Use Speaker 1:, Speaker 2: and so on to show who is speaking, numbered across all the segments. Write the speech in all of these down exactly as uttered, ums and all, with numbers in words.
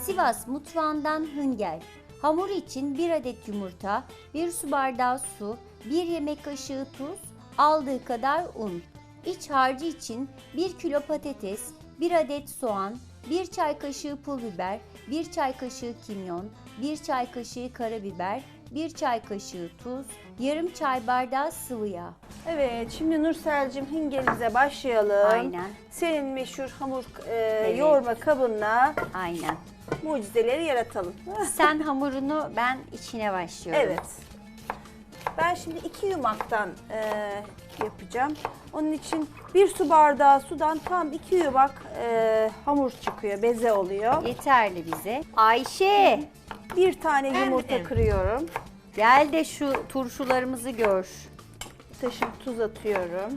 Speaker 1: Sivas mutfağından hıngel. Hamur için bir adet yumurta, bir su bardağı su, bir yemek kaşığı tuz, aldığı kadar un. İç harcı için bir kilo patates, bir adet soğan, bir çay kaşığı pul biber, bir çay kaşığı kimyon, bir çay kaşığı karabiber, bir çay kaşığı tuz, yarım çay bardağı sıvı yağ.
Speaker 2: Evet, şimdi Nursel'cim hingelimize başlayalım.
Speaker 1: Aynen.
Speaker 2: Senin meşhur hamur e,
Speaker 1: Evet.
Speaker 2: yoğurma kabınla
Speaker 1: Aynen.
Speaker 2: mucizeleri yaratalım.
Speaker 1: Sen hamurunu, ben içine başlıyorum.
Speaker 2: Evet. Ben şimdi iki yumaktan e, yapacağım. Onun için bir su bardağı sudan tam iki yumak e, hamur çıkıyor, beze oluyor.
Speaker 1: Yeterli bize. Ayşe,
Speaker 2: Bir tane yumurta
Speaker 3: Evet.
Speaker 2: kırıyorum.
Speaker 1: gel de şu turşularımızı gör.
Speaker 2: Taşım tuz atıyorum.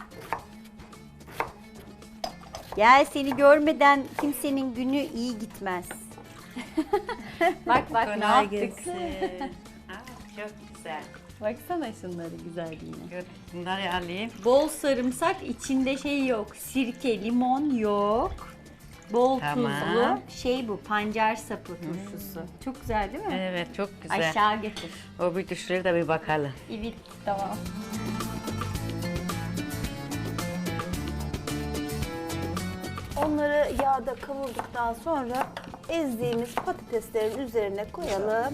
Speaker 1: Gel, seni görmeden kimsenin günü iyi gitmez. bak bak ne
Speaker 3: Kolay
Speaker 1: yaptık.
Speaker 3: gelsin. Aa, çok güzel.
Speaker 1: Baksana şunları güzelliğine.
Speaker 3: Dur, bunları alayım.
Speaker 1: Bol sarımsak, içinde şey yok. Sirke, limon yok. Bol
Speaker 3: Tamam.
Speaker 1: tuzlu. Şey bu, pancar sapı turşusu. Çok güzel değil mi?
Speaker 3: Evet, çok güzel.
Speaker 1: Aşağı getir.
Speaker 3: O bir düşürür de bir bakalım.
Speaker 1: Evet, tamam.
Speaker 2: Onları yağda kavurduktan sonra ezdiğimiz patateslerin üzerine koyalım.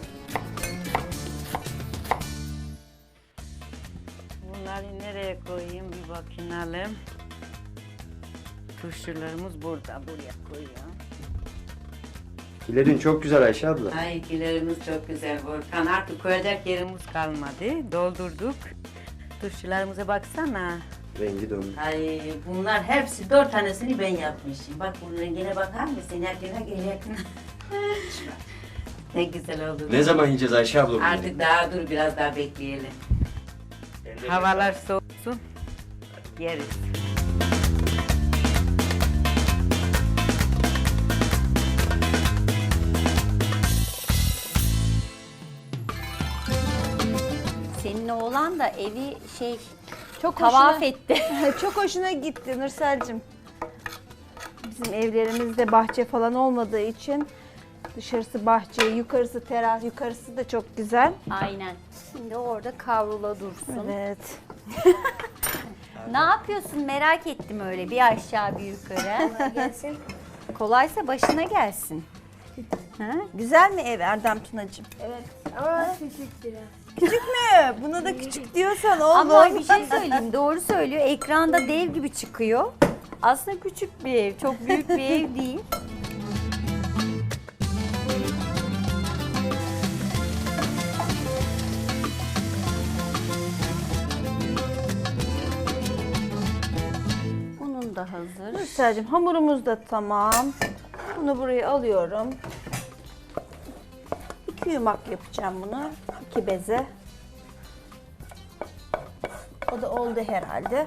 Speaker 3: Bunları nereye koyayım bir bakınalım. Turşularımız burada, buraya koyuyorum.
Speaker 4: Kilerin çok güzel Ayşe abla.
Speaker 3: Ay ikilerimiz çok güzel Volkan. Artık koyacak yerimiz kalmadı. Doldurduk. Turşularımıza baksana.
Speaker 4: Rengi döndü.
Speaker 3: Ay bunlar hepsi dört tanesini ben yapmışım. Bak bunun rengine bakar mısın? Yakına gel yakına. Ne güzel oldu.
Speaker 4: Ne zaman yiyeceğiz Ayşe abla bunu?
Speaker 3: Artık daha dur biraz daha bekleyelim. Havalar soğusun. Yeriz.
Speaker 1: Senin oğlan da evi şey
Speaker 2: Çok
Speaker 1: tavaf
Speaker 2: hoşuna-
Speaker 1: etti.
Speaker 2: Çok hoşuna gitti Nursel'cim. Bizim evlerimizde bahçe falan olmadığı için dışarısı bahçe, yukarısı teras, yukarısı da çok güzel.
Speaker 1: Aynen. Şimdi orada kavrula dursun.
Speaker 2: Evet.
Speaker 1: Ne yapıyorsun, merak ettim öyle bir aşağı bir yukarı.
Speaker 2: Gelsin.
Speaker 1: Kolaysa başına gelsin. Ha?
Speaker 2: Güzel mi ev Erdem Tunacığım?
Speaker 5: Evet ama küçük biraz.
Speaker 2: Küçük mü? Buna da küçük diyorsan oğlum.
Speaker 1: Ama bir şey söyleyeyim, doğru söylüyor. Ekranda dev gibi çıkıyor. Aslında küçük bir ev, çok büyük bir ev değil. Bunun da hazır.
Speaker 2: Nursel'cim hamurumuz da tamam. Bunu buraya alıyorum. İki yumak yapacağım bunu. İki beze. O da oldu herhalde.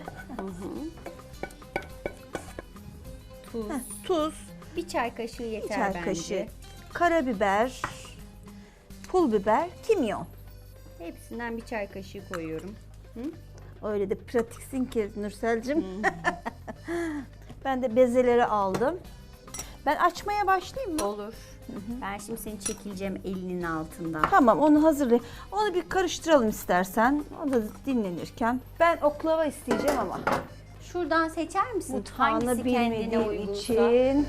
Speaker 1: Tuz.
Speaker 2: Heh, tuz,
Speaker 1: Bir çay kaşığı
Speaker 2: bir
Speaker 1: yeter
Speaker 2: çay
Speaker 1: bence.
Speaker 2: kaşığı, karabiber, pul biber, kimyon.
Speaker 1: Hepsinden bir çay kaşığı koyuyorum.
Speaker 2: Öyle de pratiksin ki Nursel'cim. Ben de bezeleri aldım. Ben açmaya başlayayım mı?
Speaker 1: Olur. Ben şimdi seni çekileceğim elinin altından.
Speaker 2: Tamam, onu hazırlayayım. Onu bir karıştıralım istersen. O da dinlenirken. Ben oklava isteyeceğim ama.
Speaker 1: Şuradan seçer misin?
Speaker 2: Mutfağını
Speaker 1: Hangisi kendine
Speaker 2: bilmediğim
Speaker 1: uygunsa.
Speaker 2: için.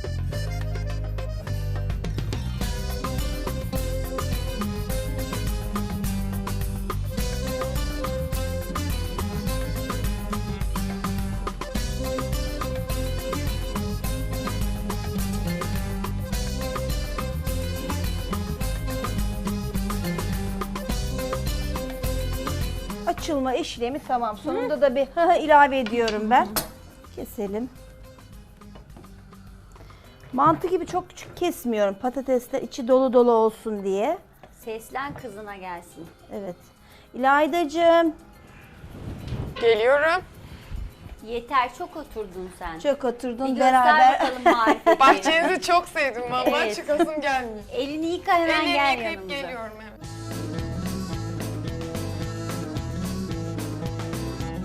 Speaker 2: Açılma işlemi tamam. Sonunda da bir ilave ediyorum ben. Keselim. Mantı gibi çok küçük kesmiyorum. Patatesler içi dolu dolu olsun diye.
Speaker 1: Seslen kızına gelsin.
Speaker 2: Evet. İlaydacığım.
Speaker 5: Geliyorum.
Speaker 1: Yeter, çok oturdun sen.
Speaker 2: Çok oturdun
Speaker 1: Bir göster
Speaker 2: beraber.
Speaker 1: bakalım marifetini.
Speaker 5: Bahçenizi çok sevdim vallahi
Speaker 1: Evet.
Speaker 5: çıkasım gelmiyor.
Speaker 1: Elini yıka, hemen
Speaker 5: Ellerimi
Speaker 1: gel
Speaker 5: yıkayıp
Speaker 1: yanımıza.
Speaker 5: geliyorum evet.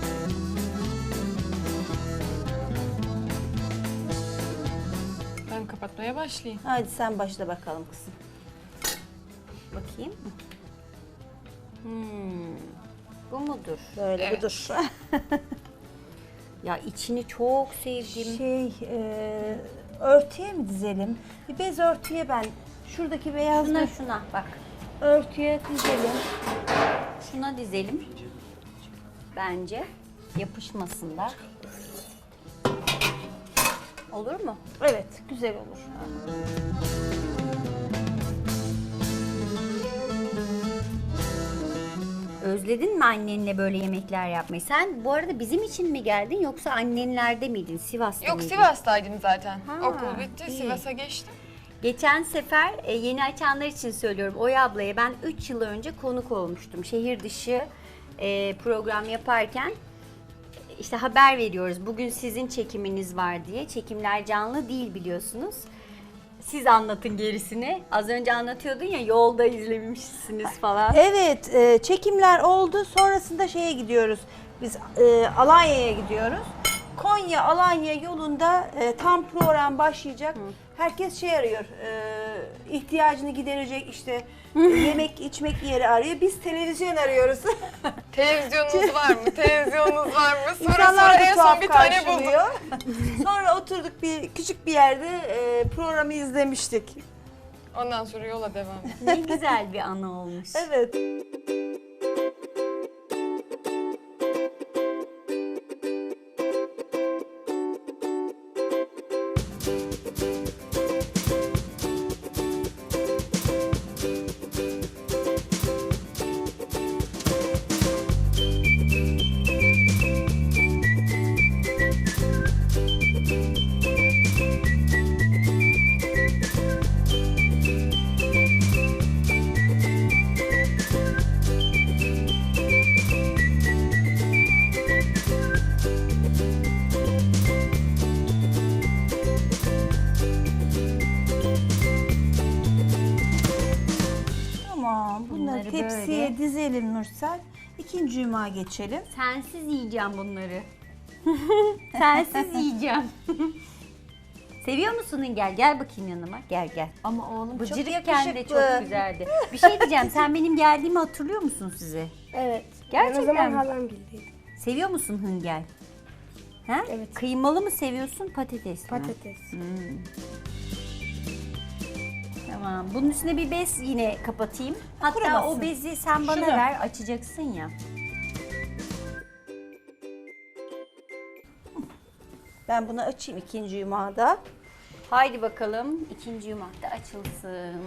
Speaker 5: Ben Kapatmaya başlayayım.
Speaker 2: Hadi sen başla bakalım kızım.
Speaker 1: Bakayım. Hmm. Bu mudur?
Speaker 2: Böyle
Speaker 5: Evet.
Speaker 2: budur.
Speaker 1: Ya içini çok sevdim.
Speaker 2: Şey, e, örtüye mi dizelim? Bir bez örtüye ben, şuradaki beyaz
Speaker 1: Şuna
Speaker 2: bir
Speaker 1: şuna bak.
Speaker 2: örtüye dizelim.
Speaker 1: Şuna dizelim. Bence yapışmasınlar. Olur mu?
Speaker 2: Evet, güzel olur.
Speaker 1: Özledin mi annenle böyle yemekler yapmayı? Sen bu arada bizim için mi geldin yoksa annenlerde miydin? Sivas'ta
Speaker 5: Yok,
Speaker 1: mıydın?
Speaker 5: Sivas'taydım zaten.
Speaker 1: Ha,
Speaker 5: Okul bitti,
Speaker 1: iyi.
Speaker 5: Sivas'a geçtim.
Speaker 1: Geçen sefer e, yeni açanlar için söylüyorum. Oya ablaya ben üç yıl önce konuk olmuştum. Şehir dışı e, program yaparken işte haber veriyoruz. Bugün sizin çekiminiz var diye. Çekimler canlı değil biliyorsunuz. Siz anlatın gerisini. Az önce anlatıyordun ya yolda izlemişsiniz falan.
Speaker 2: Evet, e, çekimler oldu. Sonrasında şeye gidiyoruz. Biz e, Alanya'ya gidiyoruz. Konya Alanya yolunda e, tam program başlayacak. Herkes şey arıyor. E, ihtiyacını giderecek işte yemek içmek yeri arıyor. Biz televizyon arıyoruz.
Speaker 5: Televizyonunuz var mı? Televizyonunuz var mı? Sonra sonra
Speaker 2: İnsanlar da
Speaker 5: en son
Speaker 2: tuhaf
Speaker 5: bir tane bulduk.
Speaker 2: karşılıyor. Sonra oturduk bir küçük bir yerde e, programı izlemiştik.
Speaker 5: Ondan sonra yola devam.
Speaker 1: Ne güzel bir anı olmuş.
Speaker 2: Evet. Tamam, bunları,
Speaker 1: Bunları
Speaker 2: tepsiye
Speaker 1: böyle.
Speaker 2: dizelim Nursel. İkinci yumağa geçelim.
Speaker 1: Sensiz yiyeceğim bunları. Sensiz yiyeceğim. Seviyor musun Hüngel? Gel bakayım yanıma. Gel gel.
Speaker 2: Ama oğlum
Speaker 1: Bıcırıkken de çok güzeldi. Bir şey diyeceğim. Sen benim geldiğimi hatırlıyor musun size?
Speaker 6: Evet.
Speaker 1: Gerçekten
Speaker 6: Ben o zaman
Speaker 1: mi?
Speaker 6: halam gildeydim.
Speaker 1: Seviyor musun Hüngel? Ha?
Speaker 6: Evet.
Speaker 1: Kıymalı mı seviyorsun patates mi?
Speaker 6: Patates.
Speaker 1: Tamam. Bunun üstüne bir bez yine kapatayım. Hatta
Speaker 2: Kurumasın.
Speaker 1: o bezi sen bana
Speaker 2: Şunu.
Speaker 1: ver. Açacaksın ya.
Speaker 2: Ben bunu açayım ikinci yumağda.
Speaker 1: Haydi bakalım ikinci yumak da açılsın.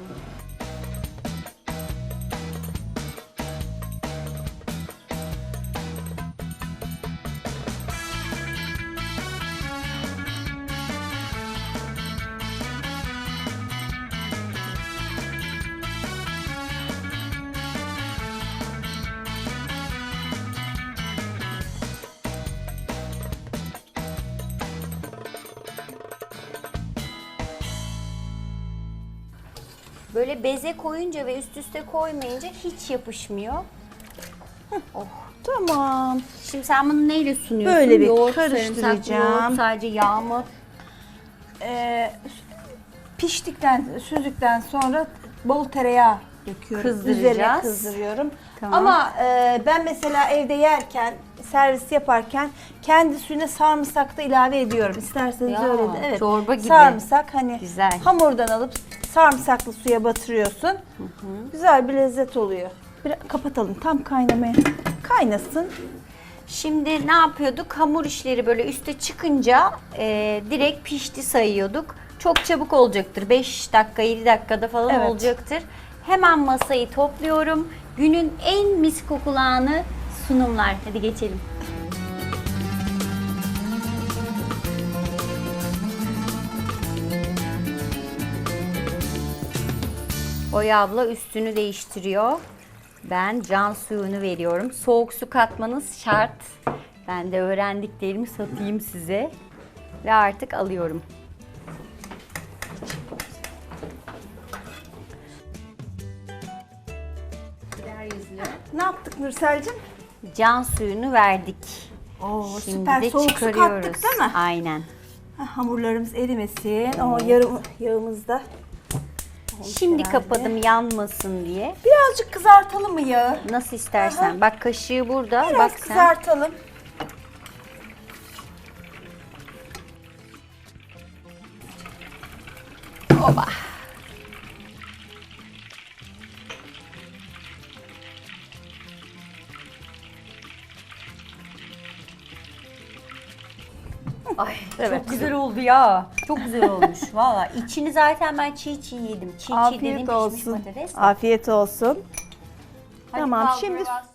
Speaker 1: Böyle beze koyunca ve üst üste koymayınca hiç yapışmıyor. Oh.
Speaker 2: Tamam.
Speaker 1: Şimdi sen bunu neyle sunuyorsun?
Speaker 2: Böyle bir
Speaker 1: Yoğurt,
Speaker 2: karıştıracağım.
Speaker 1: sarımsak, yoğurt, sadece yağ mı?
Speaker 2: Ee, piştikten, süzdükten sonra bol tereyağı döküyorum.
Speaker 1: Kızdıracağız.
Speaker 2: Üzerine kızdırıyorum.
Speaker 1: Tamam.
Speaker 2: Ama e, ben mesela evde yerken, servis yaparken kendi suyuna sarımsak da ilave ediyorum. İsterseniz
Speaker 1: Ya,
Speaker 2: öyle de. Evet.
Speaker 1: çorba gibi.
Speaker 2: Sarımsak hani
Speaker 1: Güzel.
Speaker 2: hamurdan alıp sarımsaklı suya batırıyorsun. Güzel bir lezzet oluyor. Bir, kapatalım tam kaynamaya. Kaynasın.
Speaker 1: Şimdi ne yapıyorduk? Hamur işleri böyle üste çıkınca e, direkt pişti sayıyorduk. Çok çabuk olacaktır. beş dakika, yedi dakikada falan
Speaker 2: Evet.
Speaker 1: olacaktır. Hemen masayı topluyorum. Günün en mis kokulağını sunumlar. Hadi geçelim. Oya abla üstünü değiştiriyor. Ben can suyunu veriyorum. Soğuk su katmanız şart. Ben de öğrendiklerimi satayım size. Ve artık alıyorum.
Speaker 2: Ne yaptık Nursel'cim?
Speaker 1: Can suyunu verdik.
Speaker 2: Oo,
Speaker 1: Şimdi
Speaker 2: süper
Speaker 1: de
Speaker 2: soğuk su
Speaker 1: çıkarıyoruz.
Speaker 2: kattık değil mi?
Speaker 1: Aynen.
Speaker 2: Ha, hamurlarımız erimesin. O yarım yağımız da.
Speaker 1: Şimdi
Speaker 2: herhalde.
Speaker 1: kapadım yanmasın diye.
Speaker 2: Birazcık kızartalım mı yağı?
Speaker 1: Nasıl istersen. Bak kaşığı burada.
Speaker 2: Biraz
Speaker 1: Bak sen.
Speaker 2: kızartalım.
Speaker 1: Oba. Ay
Speaker 2: Evet.
Speaker 1: çok güzel oldu ya. Çok güzel olmuş valla. İçini zaten ben çiğ çiğ yedim. Çiğ çiğ
Speaker 2: Afiyet
Speaker 1: dediğim pişmiş
Speaker 2: olsun.
Speaker 1: patates.
Speaker 2: Afiyet olsun.
Speaker 1: Hadi
Speaker 2: Tamam,
Speaker 1: kaldır
Speaker 2: şimdi
Speaker 1: biraz.